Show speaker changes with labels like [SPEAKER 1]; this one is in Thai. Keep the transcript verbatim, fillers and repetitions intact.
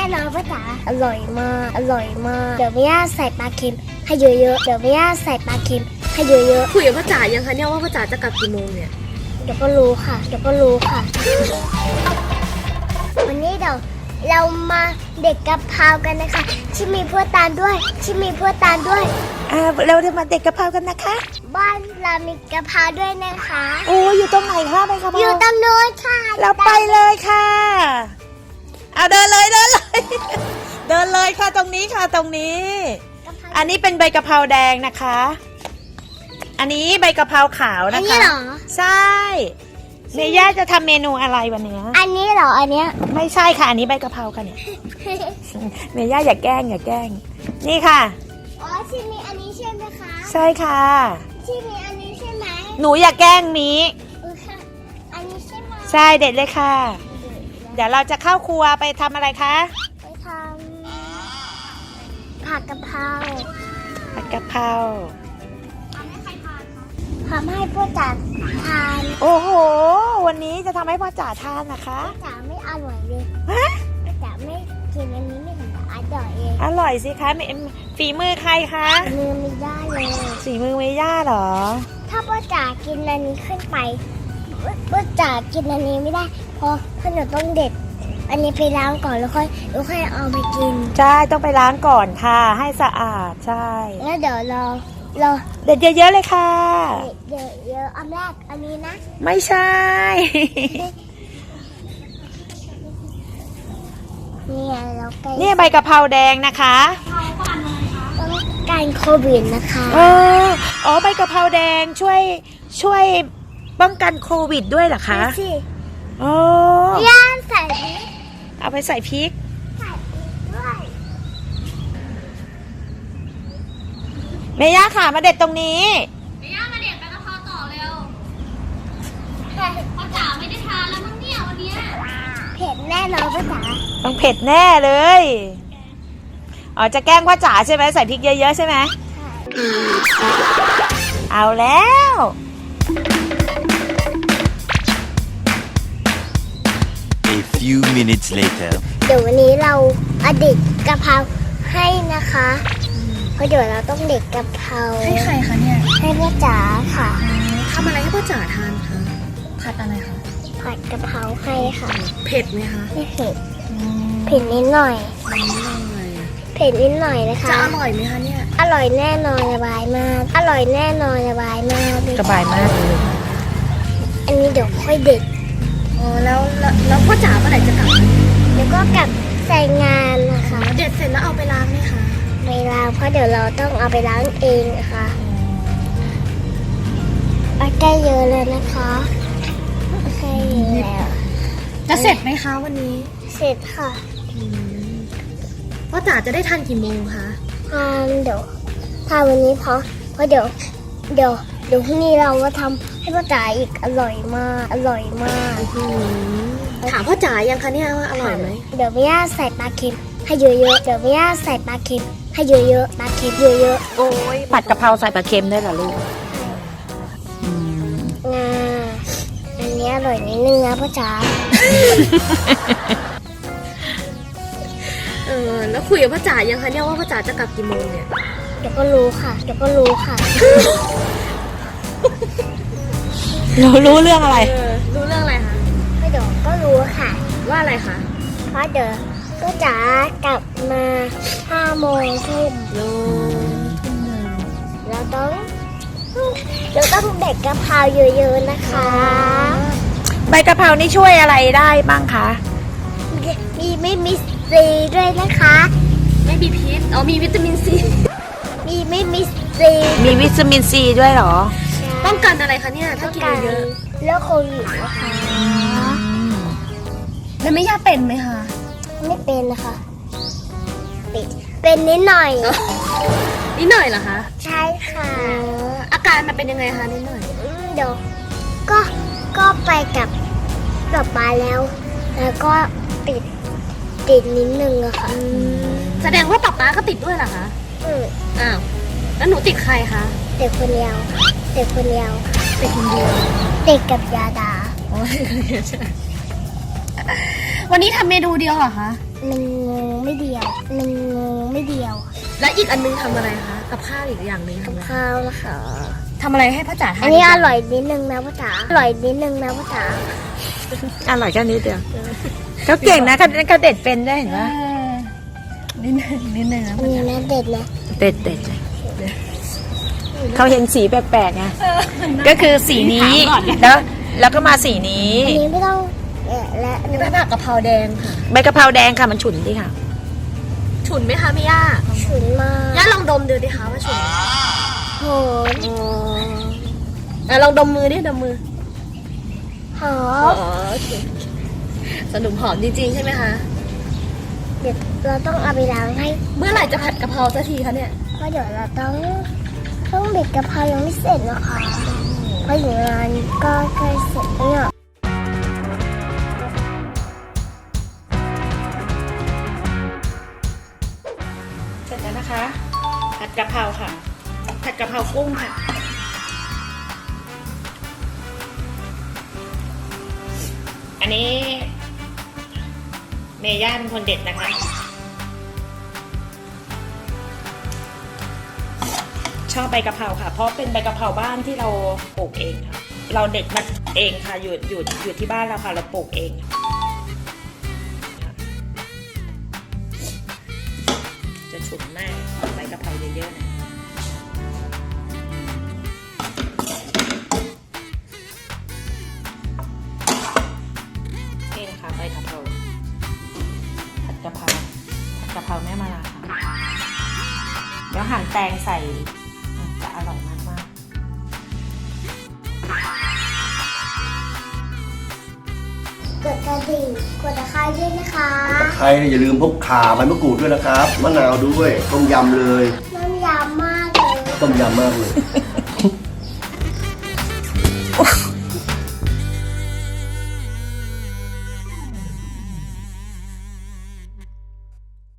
[SPEAKER 1] น่นอนว่าจ๋าอร่อยมากอร่อยมากเดี๋ยวแม่ย่าใส่ปลาเค็มให้เยอะๆเดี๋ยวแม่ย่าใส่ปลาเค็มให้เยอะๆ
[SPEAKER 2] คุยกับพ่อจ๋ายังคะเนี่ยว่าพ่อจ๋าจะกลับกี่โมงเนี่ย
[SPEAKER 1] เดี๋ยวก็รู้ค่ะเดี๋ยวก็รู้ค่ะวันนี้เดี๋ยวเรามาเด็กกะเพรากันนะคะที่มีพวกตาลด้วยที่มีพวกตาลด้วย
[SPEAKER 3] อ่าเราจะมาเด็กกะเพรากันนะคะ
[SPEAKER 1] บ้านเรามีกะเพราด้วยนะคะ
[SPEAKER 3] โอ้อยู่ตรงไหนคะไปกะเพรา
[SPEAKER 1] อยู่ตรงโน้นค่ะ
[SPEAKER 3] เราไปเลยค่ะเอาเดินเลยเดินเลย เดินเลยค่ะตรงนี้ค่ะตรงนี้อันนี้เป็นใบกะเพราแดงนะคะอันนี้ใบกะเพราขาวนะคะอันนี้
[SPEAKER 1] เหรอ
[SPEAKER 3] ใช่เมย่าจะทำเมนูอะไรวันนี้
[SPEAKER 1] อันนี้เหรออันเนี้ย
[SPEAKER 3] ไม่ใช่ค่ะอันนี้ใบกะเพราค่ะเนี่ย เมย่าอย่าแกล้งอย่าแกล้งนี่ค่ะ
[SPEAKER 1] อ๋อที่มีอันนี้ใช่ไหมคะ
[SPEAKER 3] ใช่ค่ะ
[SPEAKER 1] ที่มีอันนี้ใช่ไหม
[SPEAKER 3] หนูอย่าแกล้งมี
[SPEAKER 1] อันนี้ใช่ไหม
[SPEAKER 3] ใช่เด็ดเลยค่ะเดี๋ยวเราจะเข้าครัวไปทำอะไรคะ
[SPEAKER 1] ไปทำผัดกะเพรา
[SPEAKER 3] ผัดกะเพรา
[SPEAKER 1] ทำให้พวกจ๋าทาน
[SPEAKER 3] โอ้โหวันนี้จะทำให้พ่อจ๋าทานนะคะ
[SPEAKER 1] พ่อจ๋าไม่อร่อยเลย
[SPEAKER 3] ฮะ
[SPEAKER 1] พ่อจ๋าไม่กินอันนี้ไม่ถึงกับอร่อยเอง
[SPEAKER 3] อร่อยสิคะฝีมือใครคะ
[SPEAKER 1] มือไม่ได้เลย
[SPEAKER 3] ฝีมือเมย่าเหรอ
[SPEAKER 1] ถ้าพ่อจ๋ากินอันนี้ขึ้นไปพ่อจ๋ากินอันนี้ไม่ได้เพราะพ่อหนูต้องเด็ดอันนี้ไปล้างก่อนแล้วค่อยแล้วค่อยเอาไปกิน
[SPEAKER 3] ใช่ต้องไปล้างก่อนค่ะให้สะอาดใช่
[SPEAKER 1] แล้วเดี๋ยวเราเรา
[SPEAKER 3] เด็ดเยอะๆเลยค่ะ
[SPEAKER 1] เดี๋ยวเยอะอันแรกอันนี้นะ
[SPEAKER 3] ไม่ใช่
[SPEAKER 1] เนี่ยเราใกล้
[SPEAKER 3] เนี่ยใบกะเพราแดงนะคะ
[SPEAKER 1] ต้องการโควิดนะคะ
[SPEAKER 3] เอออ๋อใบกะเพราแดงช่วยช่วยป้องกันโควิดด้วยเหรอคะ
[SPEAKER 1] ใช่
[SPEAKER 3] โอ้
[SPEAKER 1] ย่างใส่พริก
[SPEAKER 3] เอาไปใส่พริก
[SPEAKER 1] ใส่พริกด้วย
[SPEAKER 3] เมย่าค่ะมาเด็ดตรงนี้
[SPEAKER 2] เมย่ามาเด็ดใบกะเพราต่อเร็วพ่อจ๋าไม่ได้ทานแล้วมั้งเนี่ยวันนี้
[SPEAKER 1] เผ็ดแน่นอนพ่อจ๋า
[SPEAKER 3] ต้องเผ็ดแน่เลยอ๋อจะแกล้งพ่อจ๋าใช่ไหมใส่พริกเยอะๆใช่ไหมเอาแล้ว
[SPEAKER 4] A few minutes later
[SPEAKER 1] เดี๋ยววันนี้เราอดิตกะเพราให้นะคะเพราะเดี๋ยวเราต้องเด็ดกะเพรา
[SPEAKER 2] ให้ใครคะเนี่ย
[SPEAKER 1] ให้พ่อจ๋าค่ะ
[SPEAKER 2] ทำอะไรให้พ่อจ๋าทานคะผัดอะไรคะ
[SPEAKER 1] ผัดกะเพราให้ค่ะ
[SPEAKER 2] เผ็ดไหมคะ
[SPEAKER 1] ไม่เผ็ดเผ็ดนิดหน่อยเผ็ดนิดหน่อยนะคะ
[SPEAKER 2] จะอร่อยไหมคะเนี่ย
[SPEAKER 1] อร่อยแน่นอนสบายมากอร่อยแน่นอนสบายมาก
[SPEAKER 3] สบายมากเลย
[SPEAKER 1] อันนี้เดี๋ยวค่อยเด็ด
[SPEAKER 2] อ๋อแล้วแล้วพ่อจ๋าเมื่อไหร่จะกลับ
[SPEAKER 1] เดี๋ยวก็กลับใส่งานนะคะ
[SPEAKER 2] เด็ดเสร็จแล้วเอาไปล้างไหมคะ
[SPEAKER 1] ไปล้างเพราะเดี๋ยวเราต้องเอาไปล้างเองนะคะเอาใกล้เยอะเลยนะคะใกล้เยอะแล้ว
[SPEAKER 2] จะเสร็จไหมคะวันนี้
[SPEAKER 1] เสร็จค่ะ
[SPEAKER 2] พ่อจ๋าจะได้ทานกี่โมงคะ
[SPEAKER 1] ทานเดี๋ยวทานวันนี้เพราะเพราะเดี๋ยวเดี๋ยวเดี๋ยวพรุ่งนี้เราก็ทำให้พ่อจ๋าอีกอร่อยมากอร่อยมาก
[SPEAKER 2] ถามพ่อจ๋ายังคะเนี่ยว่าอร่อยไหม
[SPEAKER 1] เดี๋ยวแม่ย่าใส่ปลาเค็มให้เยอะๆเดี๋ยวแม่ย่าใส่ปลาเค็มให้เยอะๆปลาเค็มเยอะ
[SPEAKER 3] ๆโอ้ยผัดกะเพราใส่ปลาเค็มได้เหรอลูก
[SPEAKER 1] งาอันนี้อร่อยนิดนึงนะพ่อจ๋า
[SPEAKER 2] เออแล้วคุยกับพ่อจ๋ายังคะเนี่ยว่าพ่อจ๋าจะกลับกี่โมงเนี่ย
[SPEAKER 1] เดี๋ยวก็รู้ค่ะเดี๋ยวก็รู้ค่ะ
[SPEAKER 3] เรารู้เรื่องอะไร
[SPEAKER 2] รู้เรื่องอะไรคะ
[SPEAKER 1] ไม่เดี๋ยวก็รู้ค่ะ
[SPEAKER 2] ว่าอะไรคะ
[SPEAKER 1] เพราะเดี๋ยวพ่อจ๋ากลับมาห้าโมงทุ่มเราต้องเราต้องเด็ดกะเพราเยอะๆนะคะ
[SPEAKER 3] ใบกะเพรานี่ช่วยอะไรได้บ้างคะ
[SPEAKER 1] มีไม่มีซีด้วยนะคะ
[SPEAKER 2] ไม่มีพิษอ๋อมีวิตามินซี
[SPEAKER 1] มีไม่มีซี
[SPEAKER 3] มีวิตามินซีด้วยเหรอ
[SPEAKER 2] ป้องกันอะไรคะเนี่ยถ้ากินเยอะ
[SPEAKER 1] แล้วโควิดนะคะ
[SPEAKER 2] แล้วไม่ยากเป็นไหมคะ
[SPEAKER 1] ไม่เป็นนะคะเป็นเป็นนิดหน่อย
[SPEAKER 2] นิดหน่อยเหรอคะ
[SPEAKER 1] ใช่ค่ะ
[SPEAKER 2] อาการมันเป็นยังไงคะนิดหน่อย
[SPEAKER 1] เดี๋ยวก็ก็ไปกับกับปลาแล้วแล้วก็ติดติดนิดนึงอะค่ะ
[SPEAKER 2] แสดงว่าป๊าป๊าก็ติดด้วยเหรอคะ
[SPEAKER 1] อืม
[SPEAKER 2] อ้าวแล้วหนูติดใครคะ
[SPEAKER 1] เด็กคนเดียวเด็กคนเดียว
[SPEAKER 2] ติดคนเดียว
[SPEAKER 1] ติดกับยาดา
[SPEAKER 2] อ๋อวันนี้ทำเมนูเดียวเหรอคะ
[SPEAKER 1] มันงูไม่เดียวมันงูไม่เดียว
[SPEAKER 2] และอีกอันนึงทำอะไรคะกับข้าวอีกอย่างหนึงทำอะไร
[SPEAKER 1] ข้าวนะคะ
[SPEAKER 2] ทำอะไรให้พ่อจ๋าทาน
[SPEAKER 1] อันนี้อร่อยนิดนึงนะพ่อจ๋าอร่อยนิดนึงนะพ่อจ๋า
[SPEAKER 3] อร่อยแค่นี้เดียวเขาเก่งนะเขาเขาเด็ดเป็นได้เห็น
[SPEAKER 2] เอ
[SPEAKER 3] ปะ
[SPEAKER 2] อนิดนึงนิดนึงนะ
[SPEAKER 1] อันนี้นะเด็ดนะ
[SPEAKER 3] เด็ดเด็ดเขาเห็นสีแปลกๆไงก็คือสีนี้แล้วแล้วก็มาสีนี้
[SPEAKER 1] อันนี้ไม่ต้องแกะและอัน
[SPEAKER 2] นี่
[SPEAKER 1] นี้
[SPEAKER 2] เป็นผักกะเพราแดงค่ะ
[SPEAKER 3] ใบกะเพราแดงค่ะมันฉุนดิค่ะ
[SPEAKER 2] ฉุนไหมคะพี่ย่า
[SPEAKER 1] ฉุนมาก
[SPEAKER 2] ย่าลองดมดูดิคะว่าฉุนไหม
[SPEAKER 1] โหด
[SPEAKER 2] อ่ะลองดมมือดิดมมือ
[SPEAKER 1] หอ
[SPEAKER 2] อ๋อ
[SPEAKER 1] ม
[SPEAKER 2] โอเคสนุกหอมจริงๆใช่ไหมคะ
[SPEAKER 1] เดี๋ยวเราต้องเอาไปล้างให้
[SPEAKER 2] เมื่อไหร่จะผัดกะเพราสักทีคะเนี่ย
[SPEAKER 1] เพราะเดี๋ยวเราต้องต้องเด็ดกะเพรายังไม่เสร็จนะคะเพราะอยู่งานก็ใกล้เสร็จแล้วเนี่ย
[SPEAKER 3] เสร็จแล้วนะคะผัดกะเพราค่ะผัดกะเพรากุ้งค่ะอันนี้เมย่าเป็นคนเด็ดนะคะชอบใบกะเพราค่ะเพราะเป็นใบกะเพราบ้านที่เราปลูกเองค่ะเราเด็ดมาเองค่ะอยู่อยู่อยู่ที่บ้านเราค่ะเราปลูกเองจะฉุนมากใบกะเพราเยอะๆนะนี่นะคะใบกะเพราผัดกะเพราผัดกะเพราแม่มาลาค่ะเดี๋ยวหั่นแตงใส่จะอร่อยมากมาก
[SPEAKER 1] กดกระดิ่งกดตะไคร้ด้วยนะคะ
[SPEAKER 5] ตะไคร้เนี่ยอย่าลืมพกข่าใบมะกรูดด้วยนะครับ มะนาวด้วย ต้มยำเลย
[SPEAKER 1] น้ำยำมากเลย
[SPEAKER 5] ต้มยำมากเลย